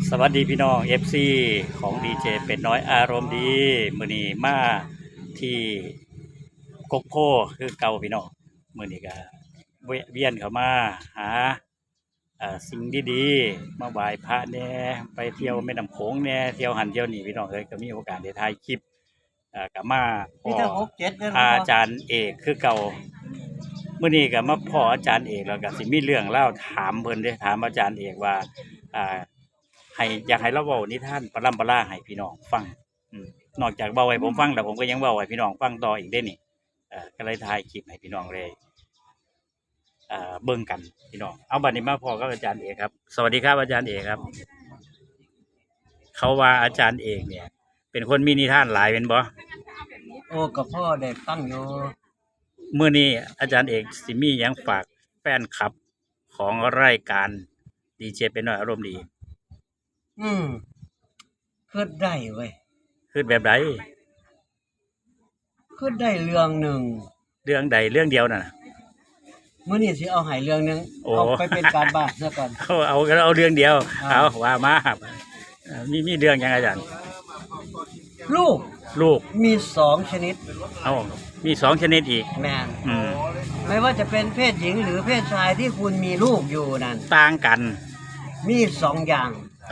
สวัสดีพี่น้อง FC ของดีเจเป็ดน้อยอารมณ์ดีมื้อนี้มาที่กกโพคือเก่าพี่น้องมื้อนี้ก็เวียนเข้ามาหาสิ่งดีๆมาไหว้พระแหน่ไปเที่ยวแม่น้ำโขงแหน่เที่ยวหันเที่ยวนี่พี่น้องเอ้ยก็มีโอกาสได้ถ่ายคลิปก็มาพ่ออาจารย์เอกคือเก่ามื้อนี้ก็มาพ่ออาจารย์เอกแล้วก็สิมีเรื่องเล่าถามเพิ่นเด้ถามอาจารย์เอกว่าให้อยากให้เราเว้านิทานปรัมปราให้พี่น้องฟังนอกจากเว้าให้ผมฟังแล้วผมก็ยังเว้าให้พี่น้องฟังต่ออีกเด้นี่ก็เลยถ่ายคลิปให้พี่น้องเลยเบิ่งกันพี่น้องเอาบัดนี้มาพอกับอาจารย์เอกครับสวัสดีครับอาจารย์เอกครับเขาว่าอาจารย์เอกเนี่ยเป็นคนมีนิทานหลายเป็นบ่โอ้กับพ่อได้ฟังอยู่มื้อนี้อาจารย์เอกสิมีหยังฝากแฟนคลับของรายการดีเจเป็นน้อยอารมณ์ดีคิดได้เว้ยคิดแบบใดคิดได้เรื่องหนึ่งเรื่องใดเรื่องเดียวน่ะมื้อนี้สิเอาให้เรื่องนึงเอาไปเป็นการบ้านซะก่อนเอาเรื่องเดียวเอาว่ามามีเรื่องยังอาจารย์ลูกมี2ชนิดมี2ชนิดอีกแม่นไม่ว่าจะเป็นเพศหญิงหรือเพศชายที่คุณมีลูกอยู่นั่นต่างกันมี2อย่าง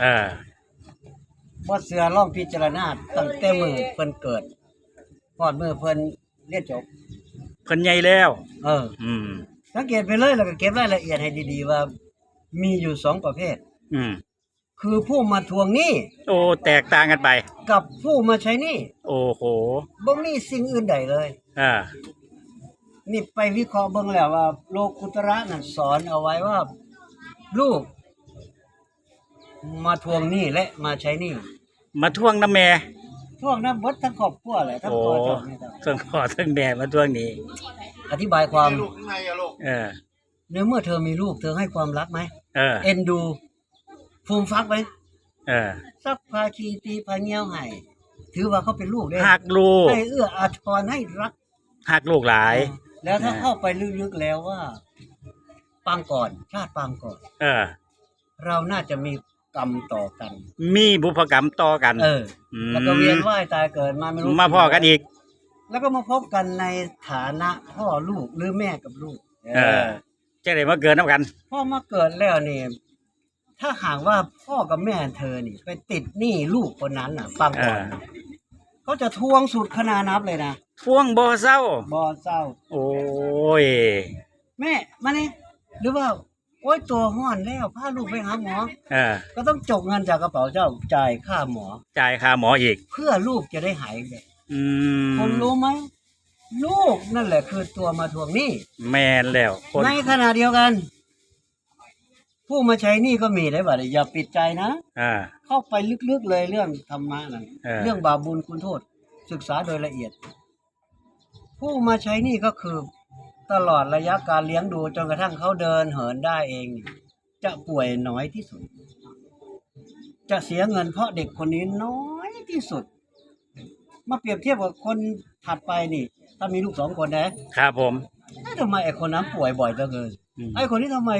บ่เชื่อลองพิจารณาตั้งแต่มื้อเพิ่นเกิดฮอดมื้อเพิ่นเรียนจบเพิ่นใหญ่แล้วสังเกตไปเลยแล้วก็เก็บรายละเอียดให้ดีๆว่ามีอยู่2ประเภทคือผู้มาทวงหนี้โอ้แตกต่างกันไปกับผู้มาใช้หนี้โอ้โหบ่มีสิ่งอื่นใดเลยนี่ไปวิเคราะห์เบิ่งแล้วว่าโลกุตระนั่นสอนเอาไว้ว่าลูกมาทวงหนี้และมาใช้หนี้มาทวงน้ำแม่ทวงน้ำบดทั้งครอบครัวแหละทั้งพ่อทั้งพ่อทั้งแม่มาทวงหนี้อธิบายความในเมื่อเธอมีลูกเธอให้ความรักไหมเอ็นดูฟูมฟักไหมซักพาคีตีพาเงี้ยวให้ถือว่าเขาเป็นลูกได้หักลูกให้เอื้ออาทรให้รักหักลูกหลายแล้วถ้าเข้าไปลึกๆแล้วว่าปางก่อนชาติปางก่อนเราน่าจะมีกรรมต่อกันมีบุพกรรมต่อกันแล้วก็เวียนว่ายตายเกิดมาไม่รู้มาพ่อกันอีกแล้วก็มาพบกันในฐานะพ่อลูกหรือแม่กับลูกจะได้มาเกิดน้ำกันพ่อมาเกิดแล้วนี่ถ้าหากว่าพ่อกับแม่เธอนี่ไปติดหนี้ลูกคนนั้นฟังก่อนเขาจะทวงสุดขนานับเลยนะทวงบ่เศร้าโอ้ยแม่มานี่หรือว่าโอ้ยตัวห้อนแล้วพาลูกไปหาหมอก็ต้องจกเงินจากกระเป๋าเจ้าจ่ายค่าหมออีกเพื่อลูกจะได้หายเลยผมรู้ไหมลูกนั่นแหละคือตัวมาทวงหนี้แม่นแล้วในขณะเดียวกันผู้มาใช้หนี้ก็มีได้บ่อย่าปิดใจนะเข้าไปลึกๆเลยเรื่องธรรมะนั่นเรื่องบาปบุญคุณโทษศึกษาโดยละเอียดผู้มาใช้หนี้ก็คือตลอดระยะการเลี้ยงดูจนกระทั่งเขาเดินเหินได้เองจะป่วยน้อยที่สุดจะเสียเงินเพราะเด็กคนนี้น้อยที่สุดมาเปรียบเทียบกับคนถัดไปนี่ถ้ามีลูก2คนนะครับผมทำไมไอ้คนนั้นป่วยบ่อยเหลือเกินไอ้คนนี้ทำไม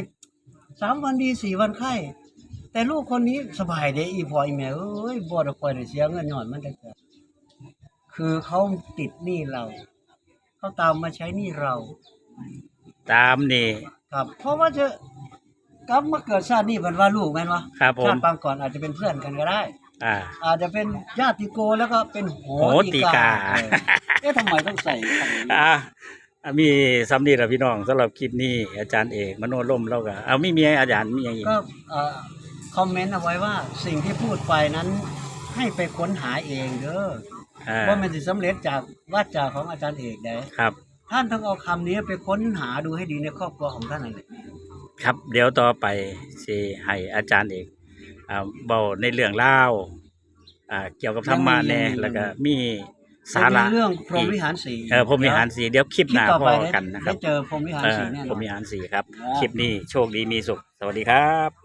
3 วันดี4 วันไข้แต่ลูกคนนี้สบายเด้อีพ่ออีแม่บ่ได้ค่อยได้เสียเงินย้อนมันได้คือเขาติดหนี้เราเขาตามมาใช้หนี้เราตามนี่ครับเพราะว่าจะกลับมาเกิดชาตินี้เป็นว่าลูกแม่นวะครับผมชาติปางก่อนอาจจะเป็นเพื่อนกันก็ได้อาจจะเป็นญาติโกแล้วก็เป็นโหติกาทำไมต้องใส่มีซ้ำนี่แหละพี่น้องสำหรับคลิปนี้อาจารย์เอกมโนร่มเราก็ไม่มีอาจารย์มีอย่างอีกก็คอมเมนต์เอาไว้ว่าสิ่งที่พูดไปนั้นให้ไปค้นหาเองเด้อว่ามันจะสำเร็จจากวาจาของอาจารย์เอกได้ครับท่านต้องเอาคำนี้ไปค้นหาดูให้ดีในครอบครัวของท่านนั่นแหละครับเดี๋ยวต่อไปสิให้อาจารย์เอกเบาในเรื่องเล่าเกี่ยวกับธรรมะแน่แล้วก็มีสาระเรื่องพรหมวิหารสีพรหมวิหารสีเดี๋ยวคลิปหน้าพอกันนะครับได้เจอพรหมวิหารสีแน่พรหมวิหารสีครับคลิปนี้โชคดีมีสุขสวัสดีครับ